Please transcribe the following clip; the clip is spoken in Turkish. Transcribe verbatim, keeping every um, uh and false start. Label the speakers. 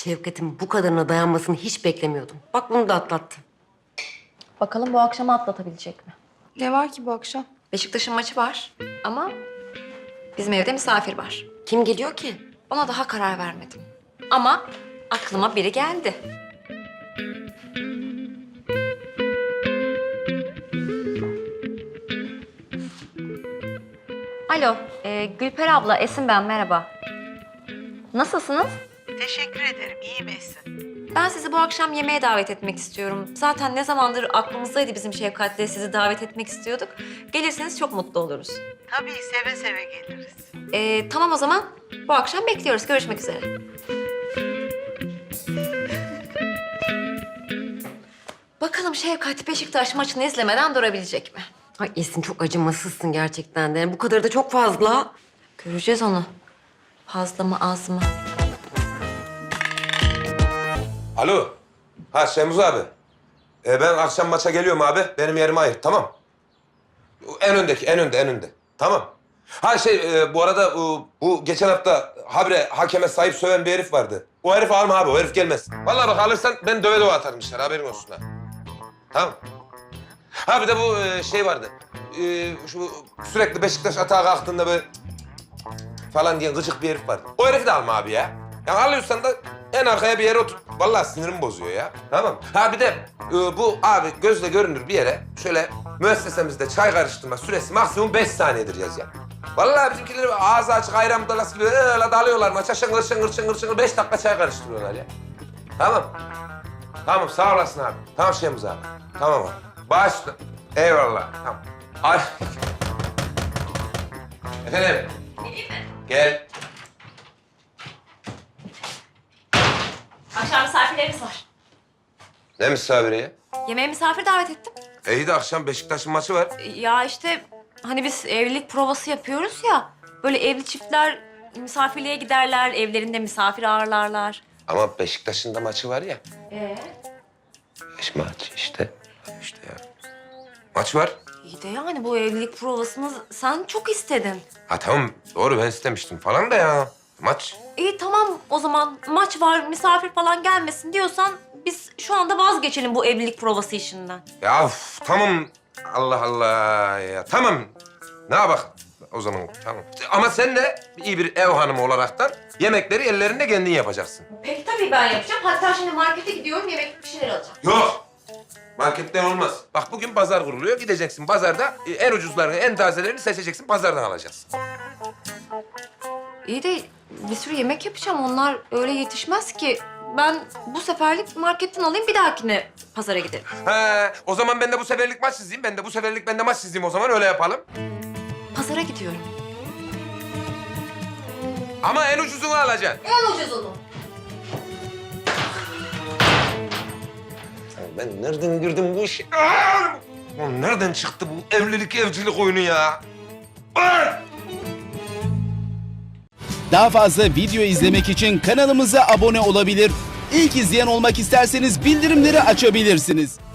Speaker 1: Şevket'in bu kadarına dayanmasını hiç beklemiyordum. Bak bunu da atlattı.
Speaker 2: Bakalım bu akşamı atlatabilecek mi?
Speaker 3: Ne var ki bu akşam?
Speaker 2: Beşiktaş'ın maçı var ama bizim evde misafir var.
Speaker 1: Kim geliyor ki?
Speaker 2: Ona daha karar vermedim. Ama aklıma biri geldi. Alo, e, Gülper abla, Esin ben, merhaba. Nasılsınız?
Speaker 4: Teşekkür ederim. İyi Esin.
Speaker 2: Ben sizi bu akşam yemeğe davet etmek istiyorum. Zaten ne zamandır aklımızdaydı bizim Şefkat'le sizi davet etmek istiyorduk. Gelirseniz çok mutlu oluruz.
Speaker 4: Tabii seve seve geliriz.
Speaker 2: E, tamam o zaman. Bu akşam bekliyoruz. Görüşmek üzere. Bakalım Şevkat Beşiktaş maçını izlemeden durabilecek mi?
Speaker 1: Ay Esin çok acımasızsın gerçekten de. Bu kadar da çok fazla.
Speaker 2: Göreceğiz onu. Fazla mı az mı?
Speaker 5: Alo. Ha Şemuz abi. Ee, ben akşam maça geliyorum abi. Benim yerime ayır, tamam. En öndeki, en önde, en önde. Tamam. Ha şey, e, bu arada e, bu geçen hafta habire hakeme sahip söven bir herif vardı. O herifi alma abi, o herif gelmez. Vallahi bak alırsan ben döve döve atarım dışarı, haberin olsun ha. Tamam. Ha bir de bu e, şey vardı. E, şu sürekli Beşiktaş atağa kalktığında böyle falan diyen gıcık bir herif vardı. O herifi de alma abi ya. Yani alıyorsan da en arkaya bir yere otur. Vallahi sinirimi bozuyor ya. Tamam. Ha bir de e, bu abi gözle görünür bir yere şöyle müessesemizde çay karıştırma süresi maksimum beş saniyedir yaz ya. Vallahi bizimkiler ağzı açık ayran budalası gibi öyle dalıyorlar maça şıngır şıngır şıngır şıngır beş dakika çay karıştırıyorlar ya. Tamam. Tamam sağ olasın abi. Tamam Şemuz abi. Tamam abi. Başla. Eyvallah. Tamam. Ay. Efendim.
Speaker 2: Geleyim mi?
Speaker 5: Gel.
Speaker 2: Akşam misafirlerimiz var.
Speaker 5: Ne misafiri ya?
Speaker 2: Yemeğe misafir davet ettim.
Speaker 5: E iyi de akşam Beşiktaş'ın maçı var.
Speaker 2: Ya işte hani biz evlilik provası yapıyoruz ya. Böyle evli çiftler misafirliğe giderler, evlerinde misafir ağırlarlar.
Speaker 5: Ama Beşiktaş'ın da maçı var ya.
Speaker 2: Ee?
Speaker 5: Beş maç işte. İşte ya. Maç var.
Speaker 2: İyi de yani bu evlilik provasını sen çok istedin.
Speaker 5: Ha tamam doğru ben istemiştim falan da ya. Maç.
Speaker 2: İyi tamam o zaman maç var, misafir falan gelmesin diyorsan biz şu anda vazgeçelim bu evlilik provası işinden.
Speaker 5: Ya of, tamam. Allah Allah ya. Tamam. Ne yapak o zaman tamam. Ama sen de iyi bir ev hanımı olaraktan yemekleri ellerinde kendin yapacaksın.
Speaker 2: Peki tabii ben yapacağım. Hatta şimdi markete gidiyorum, yemek bir şeyler alacağım.
Speaker 5: Yok. Marketten olmaz. Bak bugün pazar kuruluyor. Gideceksin pazarda e, en ucuzlarını, en tazelerini seçeceksin. Pazardan alacaksın.
Speaker 2: İyi de bir sürü yemek yapacağım. Onlar öyle yetişmez ki. Ben bu seferlik marketten alayım, bir dahakine pazara giderim.
Speaker 5: He, o zaman ben de bu seferlik maç çizeyim. Ben de bu seferlik ben de maç çizeyim o zaman öyle yapalım.
Speaker 2: Pazara gidiyorum.
Speaker 5: Ama en ucuzunu alacaksın.
Speaker 2: En ucuzunu.
Speaker 5: Ben nereden girdim bu işe? Aa! Oğlum nereden çıktı bu evlilik evcilik oyunu ya? Aa!
Speaker 6: Daha fazla video izlemek için kanalımıza abone olabilir. İlk izleyen olmak isterseniz bildirimleri açabilirsiniz.